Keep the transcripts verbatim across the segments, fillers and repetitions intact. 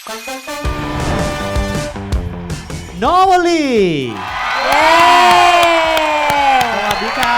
Normally เย้สวัสดีครับ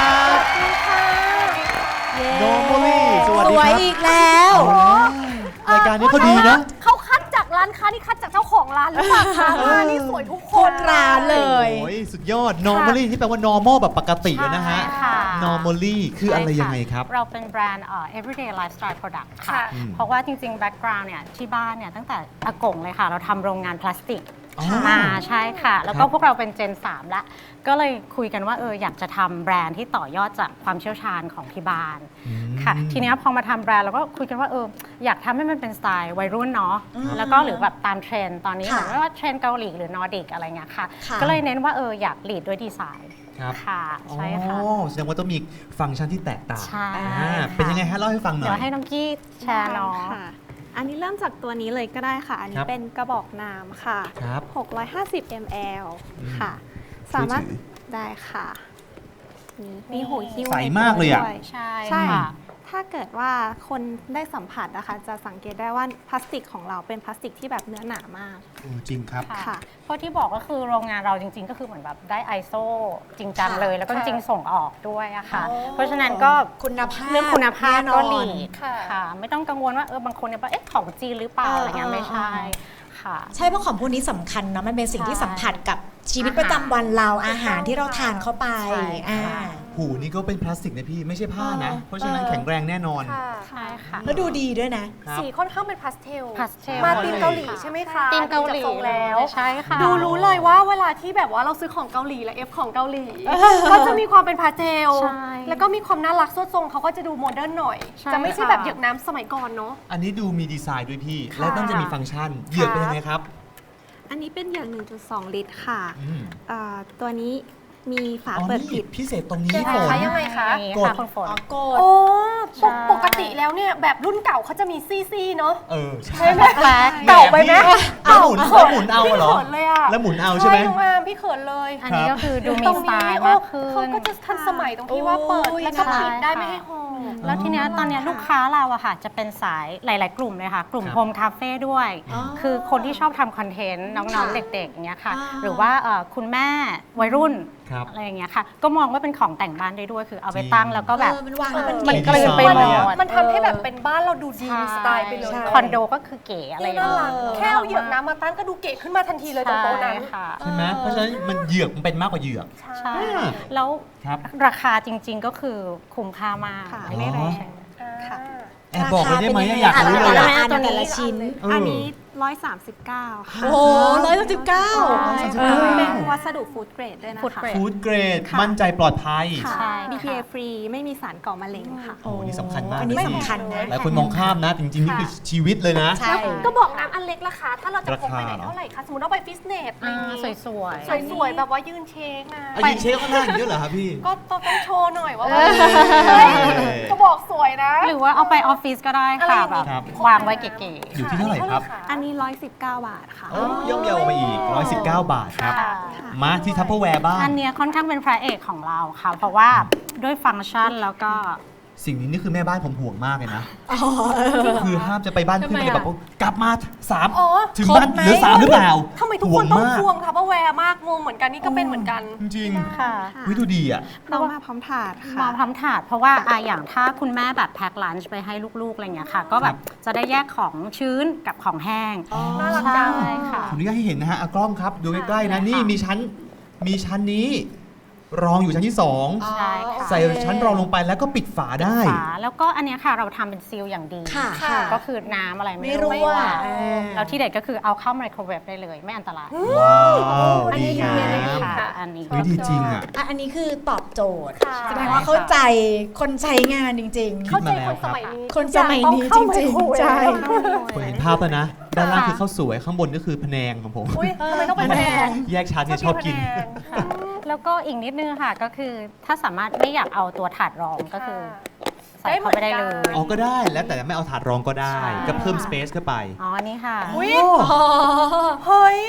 Normally สวัสสดีวยครับอีกแล้วรายการนี้เขาดีนะเขาคัดจากร้านค้านี่คัดจากเจ้าของร้านหรือเปล่าคะร้านนี่สวยทุกคคน นร้านเลยโอ้ยสุดยอด Normally ที่แปลว่า normal แบบปกตินะฮะใช่ค่ะ Normally คืออะไรยังไงครับเราเป็นแบรนด์เอ่อ everyday lifestyle product ค่ะค่ะเพราะว่าจริงๆ background เนี่ยที่บ้านเนี่ยตั้งแต่อากงเลยค่ะ เราทำโรงงานพลาสติกอ๋อมาใช่ค่ะ แล้วคก็รับพวกเราเป็นเจน สาม แล้ว ก็เลยคุยกันว่าเอออยากจะทำแบรนด์ที่ต่อยอดจากความเชี่ยวชาญของที่บ้านค่ะ ทีเนี้ยพอมาทำแบรนด์เราก็คุยกันว่าเอออยากทำให้มันเป็นสไตล์วัยรุ่นเนาะแล้วก็หรือแบบตามเทรนด์ตอนนี้เหค่ะมือนว่าเทรนด์เกาหลีหรือนอร์ดิกอะไรเงี้ยค่ะค่ะก็เลยเน้นว่าเอออยากลีดด้วยดีไซน์ครับค่ะใช่ค่ะอ๋อแสดงว่าต้องมีฟังก์ชันที่แตกต่างใช่อ่าค่ะเป็นยังไงฮะเล่าให้ฟังหน่เดี๋อยวให้ยน้องกี้แชร์เนาะค่ะ อันนี้เริ่มจากตัวนี้เลยก็ได้ค่ะ อันคนี้รับเป็นกระบอกน้ำค่ะครับหกร้อยห้าสิบ มิลลิลิตร ค่ะ สามารถช่วยถือได้ค่ะ นี่มีหูหิ้วใสในตัวมากเลยอะด้วยใช่ใช่ค่ะถ้าเกิดว่าคนได้สัมผัสนะคะ จะสังเกตได้ว่าพลาสติกของเราเป็นพลาสติกที่แบบเนื้อหนามากโอ้จริงครับค่ะค่ะเพราะที่บอกก็คือโรงงานเราจริง ๆ ก็คือเหมือนแบบได้ ไอ เอส โอ จริงจังเลย แล้วก็จริงๆส่งออกด้วยอะค่ะอ๋อเพราะฉะนั้นก็คุณภาพเรื่องคุณภาพแน่นก็อนหลีกค่ะค่ะ ไม่ต้องกังวลว่าเออบางคนเนี่ยว่าเอ๊ะของจีนหรือเปล่าเออออะไรเงี้ยไม่ใช่เออค่ะใช่เพราะของพวกนี้สำคัญเนาะมันเป็นสิ่งที่ใช่สัมผัสกับชีวิตประจำวันเราอาหารที่เราทานเข้าไปใช่อ่าค่ะหูนี่ก็เป็นพลาสติกนะพี่ ไม่ใช่ผ้านะเออเพราะฉะนั้นเออแข็งแรงแน่นอนค่ะใช่ค่ะแล้วดูดีด้วยนะครับสีค่อนข้างเป็นพาสเทลพาสเทลมาตีมเกาหลีค่ะใช่ไหมคะตีมเกาหลีดูจทรงแล้วใช่ค่ะดูรู้เลยว่าเวลาที่แบบว่าเราซื้อของเกาหลีและเอฟของเกาหลี ก็จะมีความเป็นพาสเทลใช่แล้วก็มีความน่ารักสวดทรงเขาก็จะดูโมเดิร์นหน่อยใช่จะไม่ใช่ค่ะแบบเหยือกน้ำสมัยก่อนเนาะอันนี้ดูมีดีไซน์ด้วยพี่ค่ะและต้องจะมีฟังก์ชัน เหยือกเป็นยังไงครับอันนี้เป็นเหยือก หนึ่งจุดสอง ลิตรค่ะอืมอ่าตัวนี้มีฝาอ๋อเปิดนี่ปิดพิเศษตรงนี้ยังไงฝนคะยังไงคะนี่กดค่ะคุณฝนอ๋อโกดโอ้ใช่ปกติแล้วเนี่ยแบบรุ่นเก่าเขาจะมีซี่ๆเนาะเออ ใช่ใช่ไหมแปลกเก่าไปไหมแล้วหมุนแล้วหมุนเอาเหรอพี่เขินเลยอะแล้วหมุนเอาใช่ไหมน้องอาร์มพี่เขินเลยอันนี้ก็คือดูมีตรงสไตนี้ล์โอ้มากขึ้นเขาก็จะทันสมัยตรงที่ว่าเปิดโอ้ยแล้วก็ปิดได้ใช่ไม่ให้หอมแล้วทีเนี้ยตอนเนี้ยลูกค้าเราอะค่ะจะเป็นสายหลาย ๆ กลุ่มเลยค่ะ กลุ่มครับโฮมคาเฟ่ด้วยอ๋อคือคนที่ชอบทำคอนเทนต์น้องค่ะๆ เด็ก ๆ อย่างเงี้ยค่ะอ่าหรือว่าเอ่อคุณแม่วัยรุ่นครับอะไรอย่างเงี้ยค่ะ ก็มองว่าเป็นของแต่งบ้านได้ด้วย คือเอาไปตั้งแล้วก็แบบเออมันวางแล้วมันมันเก๋กลืนไปหมดมันทำให้แบบเป็นบ้านเราดูดีมีสไตล์ไปเลยใช่คอนโดก็คือเก๋อะไรอย่างน่าเงี้รักยแค่เอาเหยือกน้ำมาตั้งก็ดูเก๋ขึ้นมาทันทีเลยตรงโต๊ะนั้นใช่ค่ะใช่ไหมเพราะฉะนั้นมันเหยือกมันเป็นมากกว่าเหยือกใช่อ่าแล้วครับราคาจริง ๆ ก็คือคุ้มค่ามากค่ะไม่แรงใช่ค่ะแอบบอกเลยได้ไหมรคอยากรู้เลยแต่อะละอันแต่ละชิ้นเอออันนี้ ร้อยสามสิบเก้า ค่ะโอ้โหร้อยสิบเก้าใช่เป็นวัสดุฟู้ดเกรดด้วยนะ Food คะ grade ฟู้ดเกรดค่ะมั่นใจปลอดภัยค่ะใช่บี พี เอค่ะฟรี ไม่มีสารก่อมะเร็งค่ะโอ้นี่สำคัญมากอันนี้เลยสำคัญนะหลายคนมองข้ามนะ จริงๆ นี่คือชีวิตเลยนะใช่ก็บอกน้ำอันเล็กราคา ถ้าเราจะพกไปไหนราคาเหรอเท่าไหร่คะ สมมติเราไปฟิตเนสอะไรอ่าอย่างงี้สวยๆสวยๆ แบบว่ายืนเช็คนะอายุเช็คข้างหน้าอย่างเยอะเหรอครับพี่ก็ต้องโชว์หน่อยว่าเออเฮ้ยก็บอกสวยนะหรือว่าเอาไปออฟฟิศก็ได้ค่ะอะไรอย่างงี้แบบครับวางไว้เก๋อยู่ที่เท่าไหร่ครับอันนี้ร้อยสิบเก้าบาทค่ะโอ้ย่อมเยาวไปอีก หนึ่งร้อยสิบเก้า บาทครับๆค่ะมาที่ทัพเปอร์แวร์บ้างอันเนี้ยค่อนข้างเป็นพระเอกของเราค่ะ เพราะว่าด้วยฟังก์ชันแล้วก็สิ่งนี้นี่คือแม่บ้านผมห่วงมากเลยนะอ๋อคือห้ามจะไปบ้านเพื่อนทำไมเลยอะแบบว่ากลับมาสามอ๋อถึงบ้านครบไหมเหลือสามหรือเปล่าทำไมทุกคนต้องห่วงมากควงคะเพราะแวร์มากงงเหมือนกันนี่ก็เป็นเหมือนกันจริงค่ะๆวิดูดีอ่ะเรามาพร้อมถาดมาค่ะพร้อมถาดเพราะว่าอะอย่างถ้าคุณแม่แบบแพ็คลันช์ไปให้ลูกๆอะไรเงี้ยค่ะ ก็แบบจะได้แยกของชื้นกับของแห้งน่ารักจังใช่ค่ะขออนุญาตให้เห็นนะฮะเอากล้องครับดูใกล้ๆนะ นี่มีชั้น มีชั้นนี้ รองอยู่ชั้นที่สองใช่ค่ะใส่ชั้นรองลงไปแล้วก็ปิดฝาได้ฝาแล้วก็อันเนี้ยค่ะเราทำเป็นซีลอย่างดีค่ะค่ะก็คือน้ำอะไรไม่ไม่รั่วรั่เออแล้วที่เด็ดก็คือเอาเข้าไมโครเวฟได้เลยไม่อันตรายว้าวอันนี้ดีดีงาเลยมค่ะอันนี้วิดีจริงอ่ะอ่ะอันนี้คือตอบโจทย์ค่ะแสดงว่าเข้าใจคนใช้งานจริงคิเข้าดใจมาแล้วคนสมัยนี้คนสมัยนี้ทุกอย่างจริงๆต้องเข้าไมโคเวฟใช่ผมเห็นภาพแล้วนะ ด้านล่างคือข้าวสวย ข้างบนก็คือพะแนงของผมอุ้ยทำไมต้องเป็นแพงแยกชั้นเนี่ยชอบกินค่ะแล้วก็อีกนิดนึงค่ะก็คือถ้าสามารถไม่อยากเอาตัวถาดรองก็คือใส่เข้าไปได้เลยอ๋อก็ได้แล้วแต่ไม่เอาถาดรองก็ได้ใช่ก็เพิ่มสเปซเข้าไปอ๋ออันนี้ค่ะอุ้ยโอ้อ๋อเฮ้ย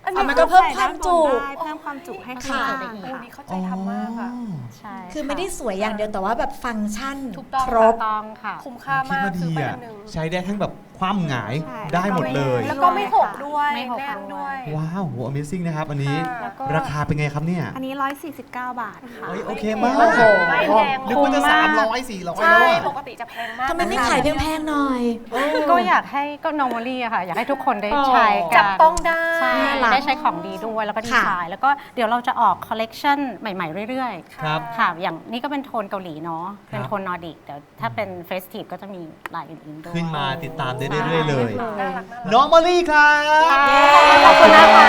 อันอ่ะนี้มันก็เพิ่มความจุได้เพิ่มความจุให้ค่ะข้างได้ล่างอีกโอ้นี่เข้าใจทำมากอ่ะใช่คือไม่ได้สวยอย่างเดียวแต่ว่าแบบฟังก์ชันถูกต้องครบต้องค่ะคุ้มค่าคิดมากว่าซื้ดีอไปอ่ะอันหนึ่งใช้ได้ทั้งแบบคว่ำหงายใช่ได้หมดเลยแล้วก็ไม่หกด้วยไม่หกแน่นด้วยว้าวโห Amazing นะครับ อันนี้ค่ะแล้วก็ราคาเป็นไงครับเนี่ยอันนี้ หนึ่งร้อยสี่สิบเก้า บาทค่ะเฮ้ยโอเคมากโอ้โหไม่แพงนึกว่าจะคุ้มมากสามร้อยสี่ร้อยใช่แล้วปอะกติจะแพงมากทำไมไม่ขายแพงๆหน่อยก็อยากให้ก็ normally อะค่ะ อยากให้ทุกคนได้อ๋อใช้กันจับต้องได้ใช่น่ารักได้ใช้ของดีด้วยแล้วก็ดีค่ะไซน์แล้วก็เดี๋ยวเราจะออกคอลเลกชันใหม่ๆ เรื่อยๆครับค่ะ อย่างนี้ก็เป็นโทนเกาหลีเนาะ เป็นครับโทนนอร์ดิก เดี๋ยวถ้าเป็นเฟสทีฟก็จะมีลายอื่นๆด้วยขึ้นมาติดตามได้เรื่อยๆเลยน่ารักน่ารักน้องมอลลี่ครับขอบคุณนะคะ